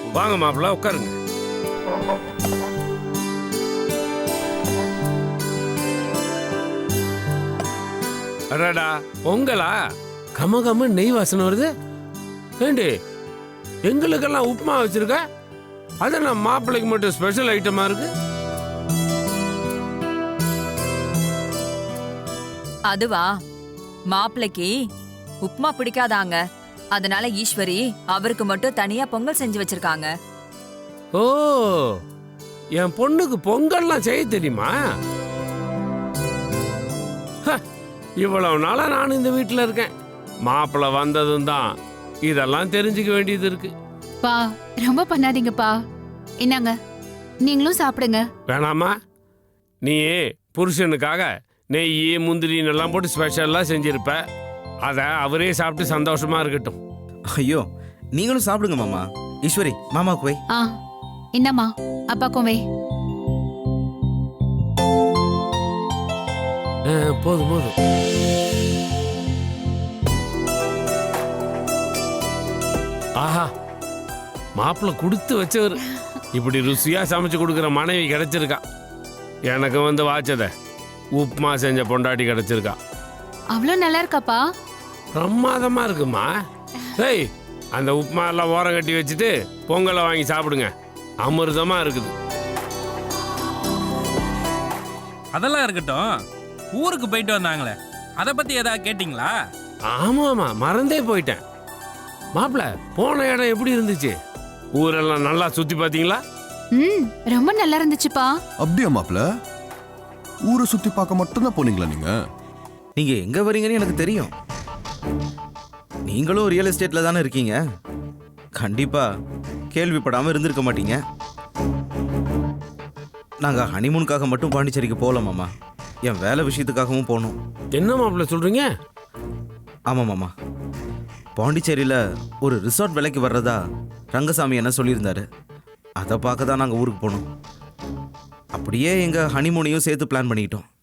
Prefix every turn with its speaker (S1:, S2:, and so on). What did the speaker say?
S1: வாங்க மாப்பிள்ள உட்காருங்க. அடடா பொங்கலா? கம கம நெய் வாசனை வருது. ஏண்டி எங்களுக்கெல்லாம் உப்புமா வச்சிருக்க, அது நான் மாப்பிள்ளைக்கு மட்டும் ஸ்பெஷல் ஐட்டமா இருக்கு.
S2: அதுவா, மாப்பிள்ளைக்கு உப்புமா பிடிக்காதாங்க, அதனால ஈஸ்வரி அவருக்கு மட்டும் தனியா பொங்கல் செஞ்சு வச்சிருக்காங்க.
S1: ஓ, என் பொண்ணுக்கு பொங்கல்லாம் செய்ய தெரியுமா? இவ்வளவு நாளா நான் இந்த வீட்டுல இருக்கேன், மாப்பிள்ள வந்ததும் தான் இதெல்லாம் தெரிஞ்சுக்க வேண்டியது இருக்கு.
S3: பா ரொம்ப பண்ணாதீங்கப்பா, என்னங்க நீங்களும் சாப்பிடுங்க.
S1: வேணாமா? நீ புருஷனுக்காக நெய் முந்திரின்னு எல்லாம் போட்டு ஸ்பெஷலா செஞ்சிருப்ப, அத அவரே சாப்பிட்டு சந்தோஷமா இருக்கட்டும்.
S4: ஐயோ, நீங்களும் சாப்பிடுங்க மாமா. ஈஸ்வரி மாமாவுக்கு வை.
S3: என்னம்மா அப்பாக்கும் வை.
S1: போதும் போதும். ஆஹா, மாப்பிள்ள கொடுத்து வச்சவர். இப்படி ருசியா சமைச்சு கொடுக்குற மனைவி கிடைச்சிருக்கா. எனக்கு வந்து வாச்சத உப்புமா செஞ்ச பொண்டாட்டி கிடைச்சிருக்கா.
S3: அவ்வளோ நல்லா இருக்காப்பா?
S1: பிரமாதமா இருக்குமா. ஏய், அந்த உப்புமா எல்லாம் ஓரம் கட்டி வச்சுட்டு பொங்கலை வாங்கி சாப்பிடுங்க, அமிர்தமா இருக்குது.
S5: அதெல்லாம் இருக்கட்டும், ஊருக்கு போயிட்டு வந்தாங்களே, அதை பத்தி ஏதாவது கேட்டிங்களா?
S1: ஆமாமா, மறந்தே போயிட்டேன். மாப்பிள்ள போன இடம் எப்படி இருந்துச்சு? ஊரெல்லாம் நல்லா சுத்தி பாத்தீங்களா?
S3: ரொம்ப நல்லா இருந்துச்சுப்பா.
S6: அப்படியா மாப்பிள்ள? ஊரை சுத்தி பார்க்க மட்டும்தான் போனீங்களா நீங்க?
S4: நீங்க எங்க வரீங்கன்னு எனக்கு தெரியும். நீங்களும் ரியல் எஸ்டேட்ல தானே இருக்கீங்க, கண்டிப்பா கேள்விப்படாம இருந்திருக்க மாட்டீங்க. நாங்க ஹனிமூனுக்காக மட்டும் பாண்டிச்சேரிக்கு போகல மாமா, என் வேலை விஷயத்துக்காகவும் போனோம்.
S1: என்ன மாப்பிள்ள சொல்றீங்க?
S4: ஆமா மாமா, பாண்டிச்சேரியில ஒரு ரிசார்ட் விலைக்கு வர்றதா ரங்கசாமி என்ன சொல்லியிருந்தாரு. அதை பார்க்க தான் நாங்கள் ஊருக்கு போனோம். அப்படியே எங்கள் ஹனிமூனையும் சேர்த்து பிளான் பண்ணிக்கிட்டோம்.